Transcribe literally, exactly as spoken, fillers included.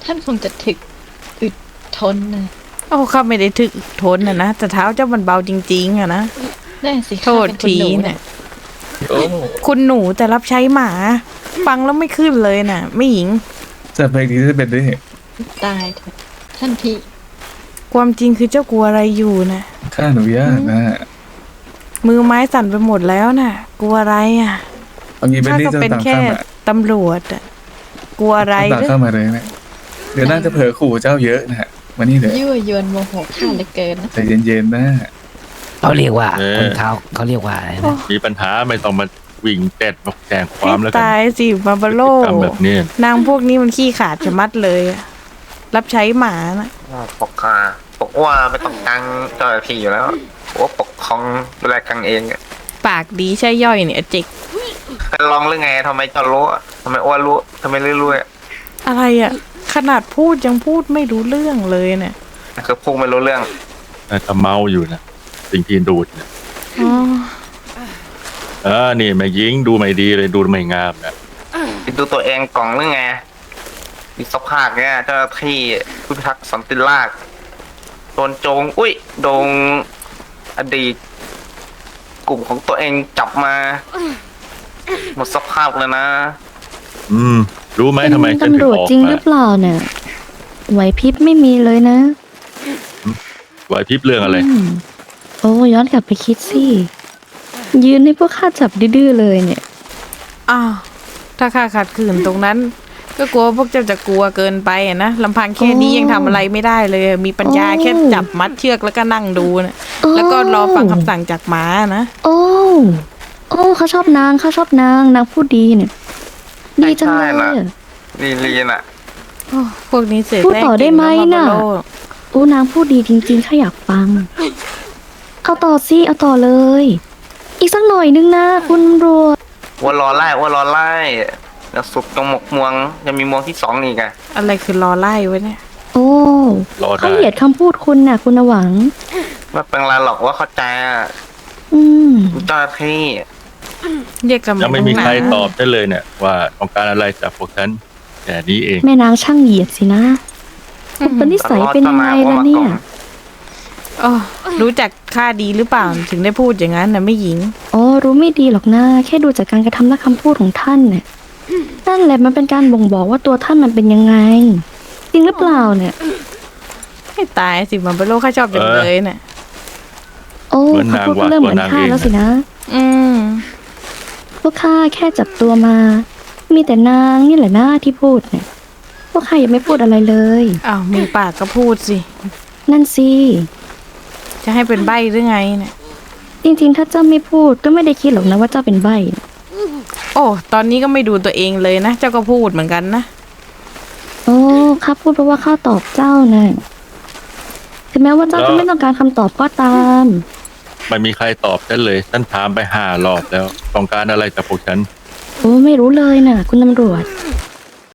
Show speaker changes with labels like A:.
A: ท่านคงจะถึกอึดทนนะ
B: โอ้ข้าไม่ได้ถึกทนนะนะแต่เท้าเจ้ามันเบาจริงๆอะนะ
A: แน่สิ
B: โทษทีเนี่ยคุณหนูแต่รับใช้หมา ฟังแล้วไม่ขึ้นเลยน่ะ ไม่หญิง
C: จะเพลงนี้จะเป็นด้วยเหตุ
A: ตายเถอะท่านพี่
B: ความจริงคือเจ้ากลัวอะไรอยู่นะ
C: ข้าอนุญาตนะ
B: มือไม้สั่นไปหมดแล้วน่ะ กลัวอะไรอ่ะ
C: เอางี้เป็น
B: ข้า
C: นี่
B: ก็
C: จะ
B: เป็น
C: ตาม
B: แค่
C: ข้ามา
B: ตำรวจอ่ะกลัวอะไร
C: ตาม
B: หรือ
C: ข้ามาเลยนะเดี๋ยวน่าจะเผลอขู่เจ้าเยอะนะฮะมานี่เถอะ
A: ยั่วยวนโมโหข้าเหลือเกินนะ
C: ใจเย็นๆนะ
D: เขาเรียกว่า
E: เออ
D: คนเขาเขาเรียกว่าอะไรนะ
E: มีปัญหาไม่ต้องมาวิ่งแตดบอกแจงควา
B: ให้
E: มแล้วกัน
B: ตายสิบาบาโล
E: พฤติกรรมแบบนี้
B: นางพวกนี้มันขี้ขาดจะมัดเลยอะรับใช้หมานะ
F: ปกคาปกว่าไม่ต้องกังเจ้าหน้าที่อยู่แล้วว่าปกครองดูแลกังเองอะ
B: ปากดีใช่ย่อยเนี่ยเจิก
F: ไปลองหรือไงทำไมเจ้ารู้อะทำไมอ้วนรู้ทำไมรู้รู้อะ
B: อะไรอ่ะ ขนาดพูดยังพูดไม่รู้เรื่องเลยเนี่ย
F: คือพูดไม่รู้เรื่อง
E: น่าจะเมาอยู่นะสิ่งที่ดูดเนี่ย
B: อ๋อ
E: เออนี่แม่ยิงดูไม่ดีเลยดูไม่งามนะ
F: ดูตัวเองกล่องหรือไงมีสภาพเนี้ยเจ้าหน้าที่ผู้พิทักษ์สันติราษฎร์โดนโจงอุ้ยโดนอดีต กลุ่มของตัวเองจับมา หมดสภาพเลยนะ
E: อืม รู้ไหม
G: เป็น
E: ทำไมฉันถึ
G: ตำรง วจ
E: ออก
G: จริง
E: มา
G: หรือเปล่าเนี่ยไหวพริบไม่มีเลยนะ
E: ไหวพริบเรื่องอะไร
G: อืมโอ้ย้อนกลับไปคิดสิ ยืนให้พวกข้าจับดื้อๆเลยเนี่ย
B: อ้าวถ้าข้าขัดขืนตรงนั้น ก็กลัวพวกเจ้าจะกลัวเกินไปอะนะลำพังแค่นี้
G: โอ้
B: ยังทำอะไรไม่ได้เลย มีปัญญา
G: โอ้
B: แค่จับมัดเชือกแล้วก็นั่งดูนะ
G: โอ้
B: แล้วก็รอฟังคำสั่งจากหมานะ
G: โอ้ โอ้เขาชอบนางเขาชอบนางนางพูดดีเนี่ย ดีจังเลย
F: ใช่น่ะ
G: อะ
F: ลีลีน่ะ
B: โอ้พวกนี้เสือก
G: พูด
B: แรก
G: ต่อได้
B: เก่ง
G: ไหม
B: แล้ว
G: น่ะ
B: มาโล
G: โอ้นางพูดดีจริงๆข้าอยากฟัง เอาต่อสิเอาต่อเลย อีกสักหน่อยนึงนะคุณตำรวจ
F: ว่ารอไล่ว่ารอไล่แล้วสุดตรงหมกม่วงยังมีม่วงที่สองนี่ไง
B: อะไรคือรอไล่ไว้เนี่ย
G: โอ้
E: รอได้
G: เขาเหยียดคำพูดคุณน่ะ คุณหวัง
F: ไม่เป็นไรหรอกว่าเข้าใจอะ
G: อืม
F: เจ้าหน้าที่
B: เรียกกัน
E: ยังไม่มีใครตอบ
B: บ
E: ได้เลยเนี่ย ว่าต้องการอะไรจากพวกฉันแต่นี้เอง
G: แม่นางช่างเหยียดสินะคุณเป็นนิสัยเป็นยังไงล่ะเนี่ย
B: โอ้รู้จักข้าดีหรือเปล่าถึงได้พูดอย่างนั้นนะไม่หญิง
G: อ๋อรู้ไม่ดีหรอกนะแค่ดูจากการกระทำและคำพูดของท่านเนี่ยนั่นแหละมันเป็นการบ่งบอกว่าตัวท่านมันเป็นยังไง จริงหรือเปล่าเนี่ย
B: ให้ตายสิมันเป็นโลกข้าชอบจังเลยเนี่ย
G: โอ้
E: เหมือน
G: เขา
E: นาง
G: พูด
E: ว่า
G: ก็เริ่มเหมือน
E: ตัวนาง
G: ข้า
E: เอง
G: แล้วสินะ
B: อืม
G: พวกข้าแค่จับตัวมา มีแต่นางนี่แหละหน้าที่พูดเนี่ย พวกข้ายังไม่พูดอะไรเลย
B: อ้าวมีปากก็พูดสิ
G: นั่นสิ
B: จะให้เป็นใบหรือไงเนี่ย
G: จริงๆ ถ้าเจ้าไม่พูดก็ไม่ได้คิดหรอกนะว่าเจ้าเป็นใบ้
B: โอ้ตอนนี้ก็ไม่ดูตัวเองเลยนะเจ้าก็พูดเหมือนกันนะ
G: โอ้ข้าพูดเพราะว่าข้าตอบเจ้านะถึงแม้ว่าเจ้าจะไม่ต้องการคำตอบก็ตาม
E: ไม่มีใครตอบฉันเลยฉันถามไปห้ารอบแล้ว ต้องการอะไรจากพวกฉัน
G: โอ้ไม่รู้เลยนะคุณตำรวจ